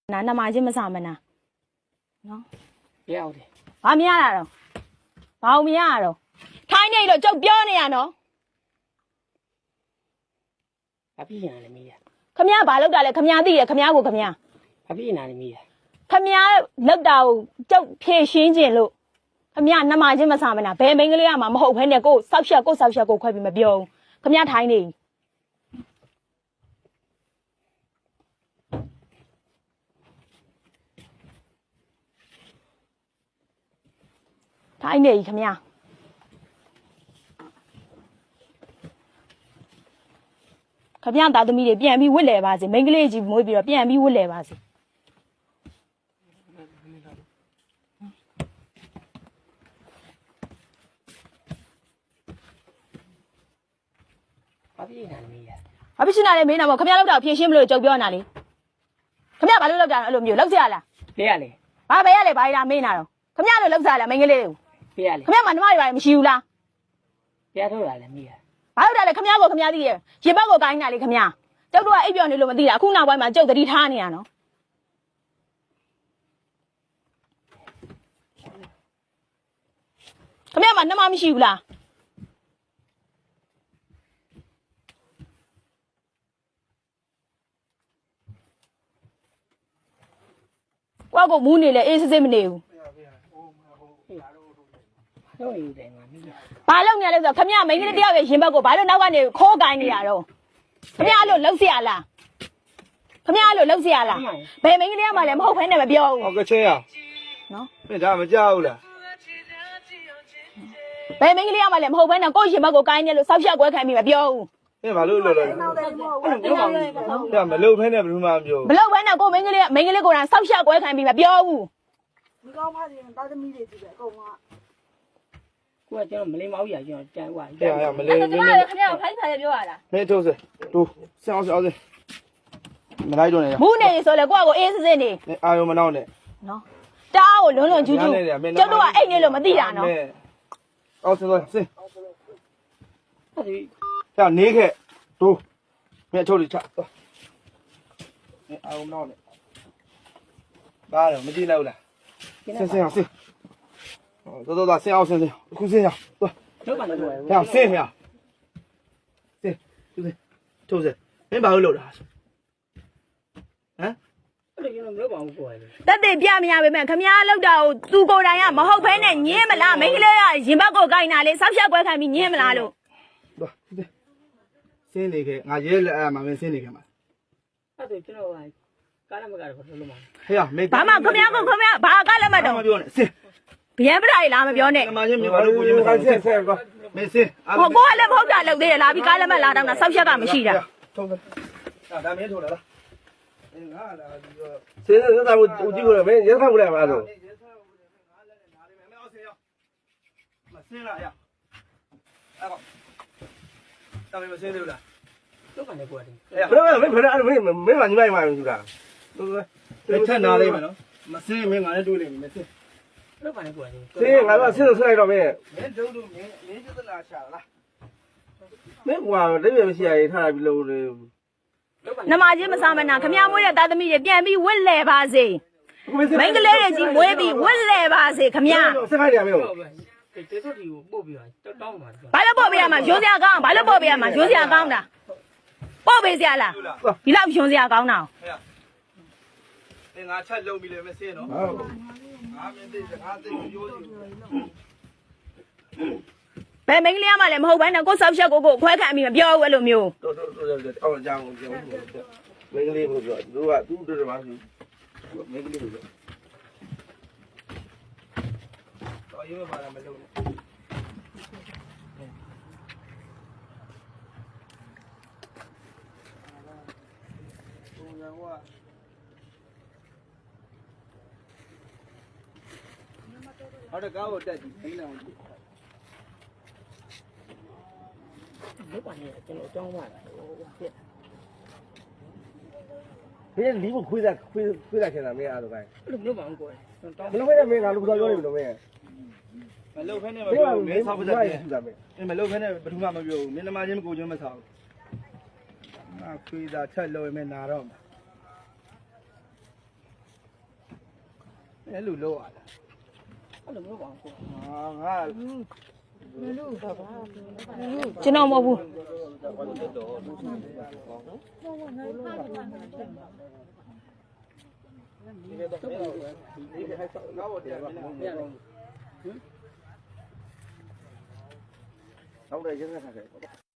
နာမချင်းမစမနာနော်ရောက်တယ်ဘာမရတာတော့ဘာမရတာတော့ထိုင်းနေတော့ကျုပ်ပြောနေရနော်ဘာဖြစ်နေလဲမီးရခမရဘာလောက်တာလဲခမရသိရခမရကိုခမရဘာဖြစ်နေလဲမီးရခမရလောက်တာကိုကျုပ်ဖြည့်ရှင်းခြင်းလို့ခမရနာမချင်းမစမနာဘယ်မိန်းကလေးကမှမဟုတ်ဘဲနဲ့ကိုစောက်ရှက်ကိုခွဲပြီးမပြောဘူးခမရထိုင်းနေထိုင်းနေခမရခမရသားသမီးတွေပြန်ပြီးဝစ်လဲပါစေမိန်းကလေးကြီးမွေးပြီးတော့ပြန်ပြီးဝစ်လဲပါစေဘာဖြစ်နေလဲမီးရဘာဖြစ်နေလဲမင်းနာမခမရလောက်တာဖြည့်ရှင်းမလို့ကြုံပြောနေတာလေခမရဘာလို့လောက်တာအဲ့လိုမျိုးလောက်စရလားဘယ်ရလဲဘာပဲရလဲဘာလာမင်းနာတော့ခမရလို့လောက်စရလားမိန်းကလေးကိုဘယ်ရလဲခမရမနှမတွေပါမရှိဘူးလားဘယ်ထုတ်လာလဲမီးရဘာလို့တာလဲခမရကိုခမရသိရဲ့ရေဘက်ကိုကိုင်းတာလေခမရကျုပ်တို့ကအိပ်ပျော်နေလို့မသိတာအခုနောက်ပိုင်းမှာကျုပ်သတိထားနေရနော်ခမရမနှမမရှိဘူးလားကွာကိုမူးနေလေအေးစစ်စစ်မနေဘူးတော့ယူတယ်ငါမီးရဘာလုပ်နေလဲဆိုတော့ခမရမိန်းကလေးတယောက်ရဲ့ရင်ဘက်ကိုဘာလို့နောက်ကနေခိုးကိုင်းနေရတော့ခမရလို့လှုပ်เสียလားခမရလို့လှုပ်เสียလားဘယ်မိန်းကလေးကမှလည်းမဟုတ်ဖ ೇನೆ မပြောဘူးဟုတ်ကဲ့ချင်းရနော်မင်းဒါမကြောက်ဘူးလားဘယ်မိန်းကလေးကမှလည်းမဟုတ်ဖ ೇನೆ ကိုယ့်ရင်ဘက်ကိုကိုင်းနေလို့စောက်ရှက်ကွဲခံပြီးမပြောဘူးမင်းဘာလို့လှုပ်လဲဒါမလှုပ်ဖ ೇನೆ ဘယ်သူမှမပြောမလှုပ်ဖ ೇನೆ ကိုမိန်းကလေးကိုယ်တိုင်စောက်ရှက်ကွဲခံပြီးမပြောဘူးဒီကောင်းဖားစီတာသမီးတွေကြည့်ပဲအကုန်ကကိုကကျွန်တော်မလေးမောက်ရကျွန်တော်တန်သွားတယ်ရမလေးခမရခမရဖိုက်ဖိုက်ပြောရလားမင်းထုတ်စတူဆင်းအောင်မလိုက်တော့နဲ့မူးနေဆိုလေကိုယ့်ကိုအေးစစ်စစ်နေအာယုံမနောက်နဲ့နော်တအားကိုလွန်းကျူးကျူးကျုပ်တို့ကအိတ်နေလို့မသိတာနော်အောင်စင်းစင်းဟုတ်ပြီညနေခဲ့တူမင်းထုတ်လိချမင်းအာယုံမနောက်နဲ့ဘာလဲမကြည့်လိုက်ဘူးလားဆင်းအောင်ဆင်းတော်ဆင်းအောင်ဆင်းအခုဆင်းရသွားတော့ပါလို့ပြောရဆင်းရဆင်းထုတ်စမင်းဘာလို့လုပ်တာဟမ်အဲ့လိုကျွန်တော်မလုပ်ပါဘူးကိုယ်တက်တဲ့ပြမရပါမယ်ခမရလောက်တာကိုသူကိုယ်တိုင်ကမဟုတ်ဖ ೇನೆ ညင်းမလားမိန်းကလေးကရင်ဘက်ကိုကိုင်းတာလေစောက်ရှက်ကွဲခံပြီးညင်းမလားလို့သွားဆင်းနေခဲ့ငါရဲလက်အားမှာမင်းဆင်းနေခဲ့မှာအဲ့ဒါကျွန်တော်ကားလည်းမကားတော့ဘယ်လိုလုပ်မှာဟေးမေးဘာမှခမရဘာကလည်းမတော့မပြောနဲ့ဆင်းဗျံပရာလားမပြောနဲ့နမချင်းမြန်မာလူကိုချင်းမဆိုင်ဆင်းကွာမင်းဆင်းဟိုကိုကလည်းမဟုတ်တာလုပ်သေးတယ်လာပြီးကားလည်းမလာတော့တာစောက်ရှက်ကမရှိတာထုံးဒါမင်းထိုးလာလားငါလာပြီးတော့ဆင်းနေတာကိုကြည့်လို့မင်းရက်ခတ်ဘူးလားမအားတော့ငါလည်းနားလေးမယ်မအောင်ဆင်းရမဆင်းလာရအဲ့ကောတာမင်းမဆင်းသေးဘူးလားတော့ကနေကိုယ်တည်းဘယ်လိုမင်းမညီမယူတာထက်နာလေးမယ်နော်မဆင်းမင်းငါလည်းတွေးလိမ့်မယ်ဆင်းတော့ကနေကိုယ်တည်းဆင်းငါကဆင်းလို့ဆွလိုက်တော့မင်းဒုံတို့မင်းကျသလားရှာလားမင်းကွာတပြည့်မရှိရည်ထားပြီးလို့နမချင်းမစားမနာခမရမွေးတဲ့သားသမီးတွေပြန်ပြီးဝစ်လဲပါစေမိန်းကလေးတွေကြီးမွေးပြီးဝစ်လဲပါစေခမရဆက်ခိုင်းတယ်မင်းကျေစုတီကိုပို့ပြီးတော့တောင်းပါဘာလို့ပို့ပေးရမှာရိုးစရာကောင်းဘာလို့ပို့ပေးရမှာရိုးစရာကောင်းတာပို့ပေးစရာလားဒီလောက်ရိုးစရာကောင်းတာငါချက်လုံးပြီလေမစင်းနော်ဟုတ်ငါမင်းသိစကားသိပြောစီဘယ်မိန်းကလေးမှလည်းမဟုတ်ဘဲနဲ့ကိုစောက်ရှက်ကိုခွဲခံပြီးမပြောဘူးအဲ့လိုမျိုးတော်အောက်ကြောင်ပြောမင်းကလေးကိုပြောသူကသူ့တို့မှာမင်းကလေးကိုပြောတော်ရွေးပါလားမလုပ်နဲ့ဟုတ်တယ်ကားကိုတက်ကြည့်သိနေအောင်တော့ကနေကျွန်တော်တောင်းပါလားဟိုဖြစ်မင်းလီးကိုခွေးတာခင်တာမင်းအားတော့ကိုင်းအဲ့လိုမလုပ်ပါဘူးကိုယ်တောင်းမလုပ်ဖဲနဲ့မင်းကလူတော်ပြောနေပြီလို့မင်းမလုပ်ဖဲနဲ့မပြောဘူးမင်းဆောက်ပတ်တယ်မလုပ်ဖဲနဲ့ဘယ်သူမှမပြောဘူးမင်းနမချင်းကိုချင်းမဆောက်ငါခွေးတာချက်လို့မင်းနာတော့အဲ့လိုလောက်ရတာအဲ့လိုမျိုးပါကိုဟာငါကျွန်တော်မဟုတ်ဘူးနောက်တယ်ရက်ဆက်ထားခဲ့